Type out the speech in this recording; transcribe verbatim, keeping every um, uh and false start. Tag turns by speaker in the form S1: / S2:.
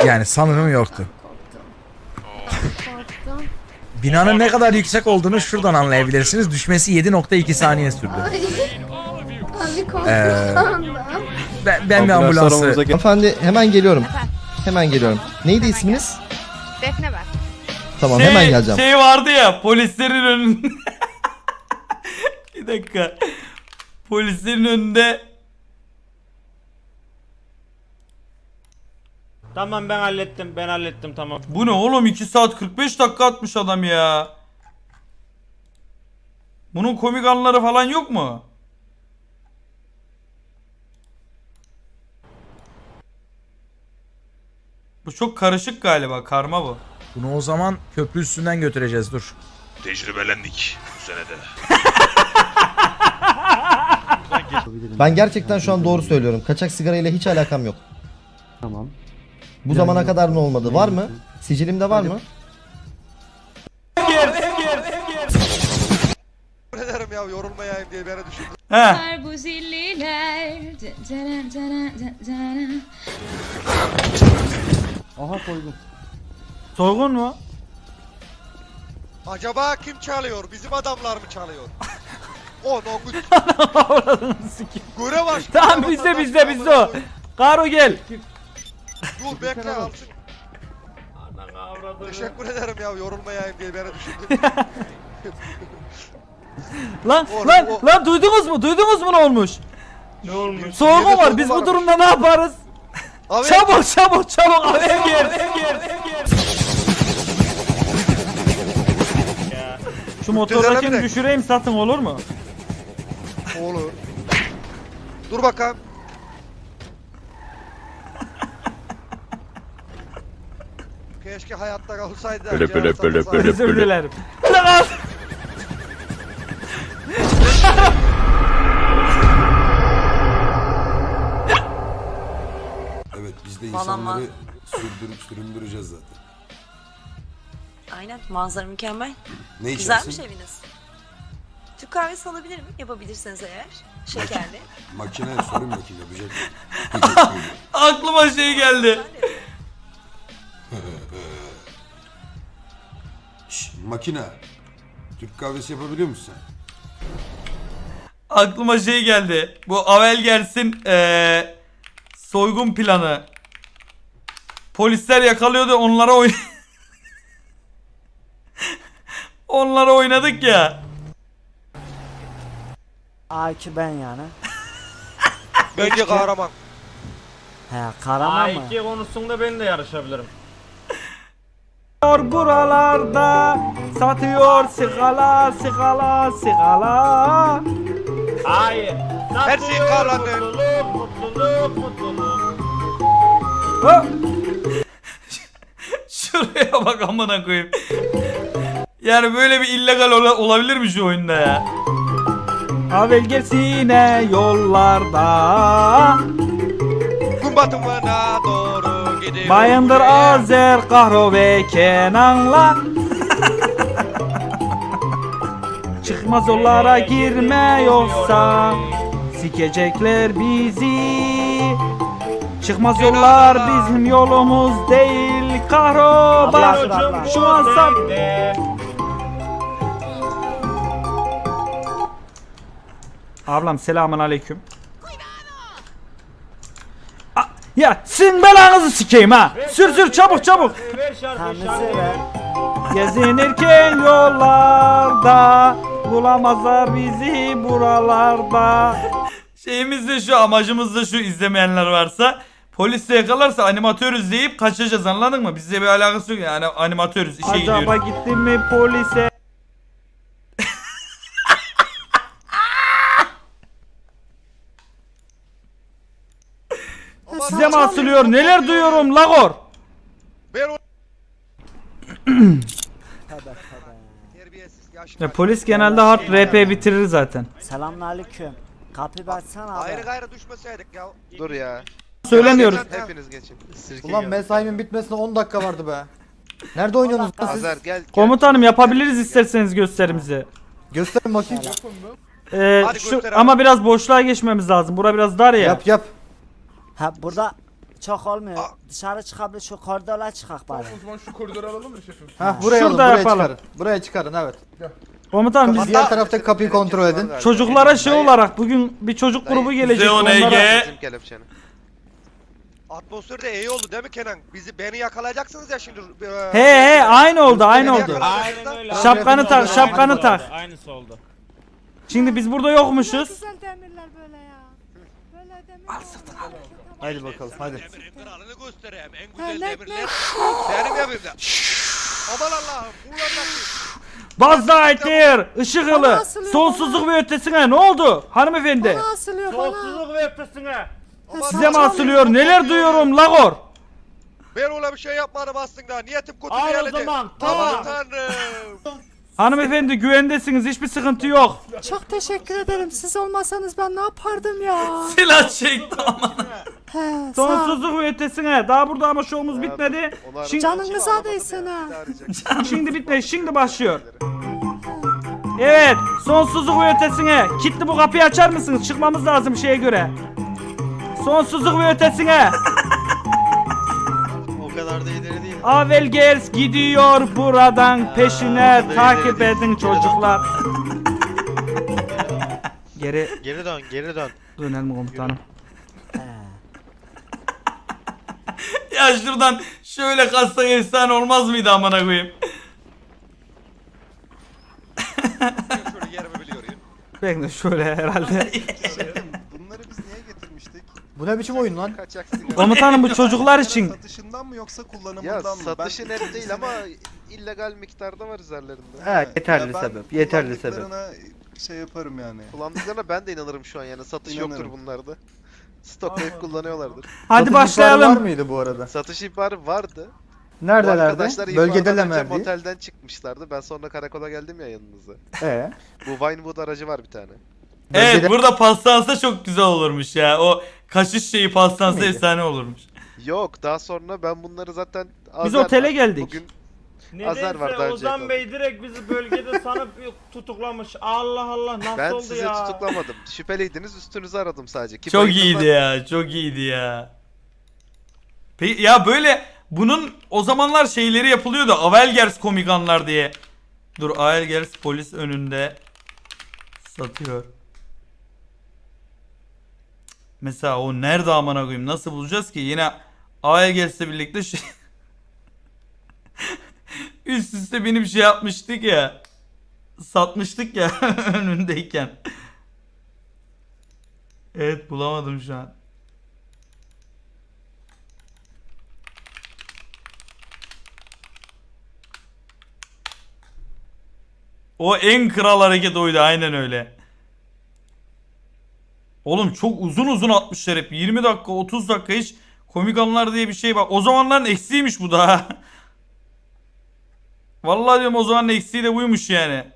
S1: Yani sanırım yoktu.
S2: Korktum.
S1: Binanın ne kadar yüksek olduğunu şuradan anlayabilirsiniz. Düşmesi yedi nokta iki saniye sürdü.
S2: Ay. Abi korktum
S1: Ee,
S2: şu anda.
S1: Ben, ben bir ambulansı...
S3: Hanımefendi hemen geliyorum. Hemen geliyorum. Neydi isminiz?
S2: Defne ben.
S3: Tamam
S4: Şey,
S3: hemen geleceğim.
S4: Şey vardı ya polislerin önünde. Bir dakika. Polislerin önünde.
S5: Tamam ben hallettim ben hallettim tamam.
S4: Bu ne oğlum, iki saat kırk beş dakika atmış adam ya. Bunun komik anları falan yok mu? Bu çok karışık galiba, karma bu.
S1: Bunu o zaman köprü üstünden götüreceğiz, dur.
S6: Tecrübelendik bu senede.
S3: Ben gerçekten şu an doğru söylüyorum. Kaçak sigarayla hiç alakam yok.
S7: Tamam.
S3: Bu zamana kadar ne olmadı? Var mı? Sicilimde var mı?
S8: ederim ya yorulmayayım diye beni düşündüm.
S4: He.
S2: Bu zilliler.
S7: Aha koydum.
S4: Soygun mu?
S8: Acaba kim çalıyor? Bizim adamlar mı çalıyor? O no good. Göre baş.
S4: Tamam bizde bizde bizde o. Karo gel.
S8: Dur bekle alsın. Teşekkür ederim ya yorulmayayım diye beni düşündüm.
S4: Lan
S8: Oğlum,
S4: lan
S8: o-
S4: lan duydunuz mu? Duydunuz mu ne olmuş?
S5: Ne olmuş?
S4: Soygun var. Biz bu durumda ne yaparız?
S8: Abi,
S4: Çabuk çabuk çabuk abi ev gel ev gel ev gel. Şu motordakini
S8: Düzelebilir.
S4: düşüreyim satın, olur mu?
S8: Olur. Dur bakalım. Keşke hayatta kalsaydı.
S6: Böyle, böyle, böyle, böyle.
S4: Özür dilerim.
S9: Evet biz de
S10: Vallahi
S9: insanları sürdürüp süründüreceğiz zaten.
S10: Aynen, manzara mükemmel.
S9: Ne
S10: Güzelmiş
S9: içersin?
S10: eviniz. Türk kahvesi alabilirim yapabilirseniz eğer. Şekerli.
S9: Makine sorun makine yapacak.
S4: Aklıma şey geldi.
S9: Şşş makine. Türk kahvesi yapabiliyor musun sen?
S4: Aklıma şey geldi. Bu Avel gelsin ee, soygun planı. Polisler yakalıyordu, onlara oyn onlara oynadık ya.
S7: A iki ben yani.
S8: Bence kahraman.
S7: He kahraman
S5: A
S7: mı?
S5: iki konusunda ben de yarışabilirim.
S4: Buralarda satıyor sigala sigala sigala.
S5: Hayır.
S8: Her şey kahraman.
S5: Mutluluk mutluluk mutluluk.
S4: Ha! Şuraya bak amına koyayım. Yani böyle bir illegal ola- olabilir mi şu oyunda ya? Avel gelsine yollarda.
S8: Gün batımına doğru gidiyor.
S4: Bayındır Azer Kahro ve Kenan'la. Çıkmaz yollara girme yoksa sikecekler bizi. Çıkmaz yollar bizim yolumuz değil. Kahro bak
S7: abla.
S4: şu an sap. Ablam selamun aleyküm. A- Ya sizin belanızı sikeyim ha. Sür sür çabuk çabuk.
S5: Ver şarkı
S7: Tanrısı
S5: şarkı.
S7: ver.
S4: Gezinirken yollarda bulamazlar bizi buralarda. Şeyimiz de şu, amacımız da şu, izlemeyenler varsa polis yakalarsa animatörüz deyip kaçacağız, anladın mı? Bizle bir alakası yok yani, animatörüz, işe gidiyoruz. Acaba gittim mi polise? Size mi asılıyor? Neler duyuyorum Lagor?
S8: Ben o... Terbiyesiz yaşlı.
S4: Ya polis genelde hard R P bitirir zaten.
S7: Selamünaleyküm. Kapıyı açsana abi.
S8: Ayrı gayrı düşmeseydik ya.
S11: Dur ya.
S4: Söylemiyoruz.
S11: Hepiniz geçin. Sirke
S3: Ulan
S11: gel.
S3: mesaimin bitmesine on dakika vardı be. Nerede oynuyorsunuz lan siz?
S11: Azer gel. gel.
S4: Komutanım yapabiliriz isterseniz gösterimizi.
S3: Gösterin bakayım.
S4: Ee,
S8: Hadi
S4: şu,
S8: göster abi.
S4: ama biraz boşluğa geçmemiz lazım. Bura biraz dar ya.
S3: Yap yap.
S7: Ha burada çok olmuyor. Dışarı çıkabilir şu koridora çıkak bari.
S5: O zaman şu koridoru alalım mı şefim?
S11: Ha buraya
S4: Şurada
S11: alın, buraya
S4: yapalım.
S11: çıkarın. Buraya çıkarın evet.
S4: Komutanım biz
S11: Diğer taraftaki kapıyı kontrol edin.
S4: çocuklara şey olarak bugün bir çocuk grubu gelecek. Zeon Onlara... Ege.
S8: Atmosferde iyi oldu değil mi Kenan? Bizi beni yakalayacaksınız ya şimdi.
S4: He he aynı oldu aynı
S8: Beni
S4: oldu.
S8: yakalayacaksınız da-
S5: Aynen öyle.
S4: Şapkanı
S5: Aynısı
S4: tak,
S5: oldu,
S4: şapkanı
S5: aynısı
S4: tak.
S5: oldu, Aynısı oldu.
S4: Şimdi biz burada yokmuşuz.
S2: Güzel demirler böyle ya. Böyle demir. Al sırtına.
S11: Haydi bakalım hadi.
S8: Demirin kralını göstereyim. En
S2: Ha,
S8: güzel
S2: lek,
S8: demirler
S2: lek.
S8: benim evimde. Aman Allah'ım. Kullanmak.
S4: Buzz ışık
S2: Bana
S4: hılı,
S2: asılıyor,
S4: sonsuzluk ve ötesine ne oldu hanımefendi?
S2: Bana asılıyor bana.
S5: Sonsuzluk ve ötesine.
S4: Size mi asılıyor? Neler duyuyorum Lagor?
S8: Ben öyle bir şey yapmadım aslında. Niyetim kötü
S5: Al o
S8: değildi.
S5: zaman,
S8: Aman
S5: tamam.
S8: tanrım.
S4: Hanımefendi güvendesiniz, hiçbir sıkıntı yok.
S2: Çok teşekkür ederim. Siz olmasanız ben ne yapardım ya?
S4: Silah çekti ama.
S2: He, sağ ol.
S4: Sonsuzluk ve ötesine. Daha burada ama şovumuz bitmedi. Şimdi,
S2: Canınıza değsin ha.
S4: şimdi bitmedi, şimdi başlıyor. Evet, sonsuzluk ve ötesine. Kilitli bu kapıyı açar mısınız? Çıkmamız lazım şeye göre. Sonsuzluk ve ötesine.
S8: O kadar da ileri değil.
S4: Avelgers gidiyor buradan peşine takip edin çocuklar. Geri
S8: Geri dön, geri dön.
S4: dönelim komutanım. Ya şuradan şöyle kassak efsane olmaz mıydı amına koyayım?
S8: Şöyle yerimi biliyorum.
S4: Ben de şöyle herhalde.
S8: Bunları biz niye getirmiştik?
S11: Bu ne biçim oyun lan?
S8: Kaçak sigara.
S4: Komutanım bu çocuklar için.
S8: Satışından mı yoksa kullanımından
S12: Ya
S8: mı?
S12: satışı net değil ama illegal miktarda var üzerlerinde.
S11: Evet yeterli sebep. Yeterli sebep.
S8: şey yaparım yani.
S12: Kullandıklarına ben de inanırım şu an yani satış yoktur bunlarda. Stoklayıp kullanıyorlardır.
S4: Hadi
S11: Satış ihbarı Var
S4: başlayalım.
S11: mıydı bu arada?
S12: Satış ihbarı vardı. Bu
S11: Neredelerdi?
S12: arkadaşlar ihbardan
S11: Bölgedeler
S12: önce
S11: mi?
S12: motelden çıkmışlardı. Ben sonra karakola geldim ya yanınıza.
S11: Ee?
S12: Bu Vinewood aracı var bir tane.
S4: Evet
S11: Bölgede-
S4: burada pastansa çok güzel olurmuş ya. O kaşış şeyi pastansa
S11: Miydi?
S4: efsane olurmuş.
S12: Yok daha sonra ben bunları zaten
S4: Biz
S12: Azer
S4: otele
S12: var.
S4: geldik.
S12: Bugün
S5: Nedense
S12: Azer var daha önce
S5: Ozan
S12: yakaladı.
S5: Bey direkt bizi bölgede sanıp tutuklamış. Allah Allah nasıl
S12: ben
S5: oldu
S12: sizi
S5: ya?
S12: tutuklamadım. Şüpheliydiniz üstünüzü aradım sadece. Ki
S4: Çok
S12: bayıldım
S4: iyiydi
S12: ben-
S4: ya, çok iyiydi ya. Peki ya böyle bunun o zamanlar şeyleri yapılıyordu. Avelgers komikanlar diye. Dur Avelgers polis önünde satıyor. Mesela o nerede amına koyayım? Nasıl bulacağız ki? Yine Avelgers'le birlikte şey üst üste benim şey yapmıştık ya. Satmıştık ya önündeyken. Evet bulamadım şu an. O en kral hareket oydu aynen öyle. Oğlum çok uzun uzun atmışlar hep. yirmi dakika otuz dakika hiç komik anlar diye bir şey var. O zamanların eksiğiymiş bu da. Vallahi diyorum o zamanın eksiği de buymuş yani.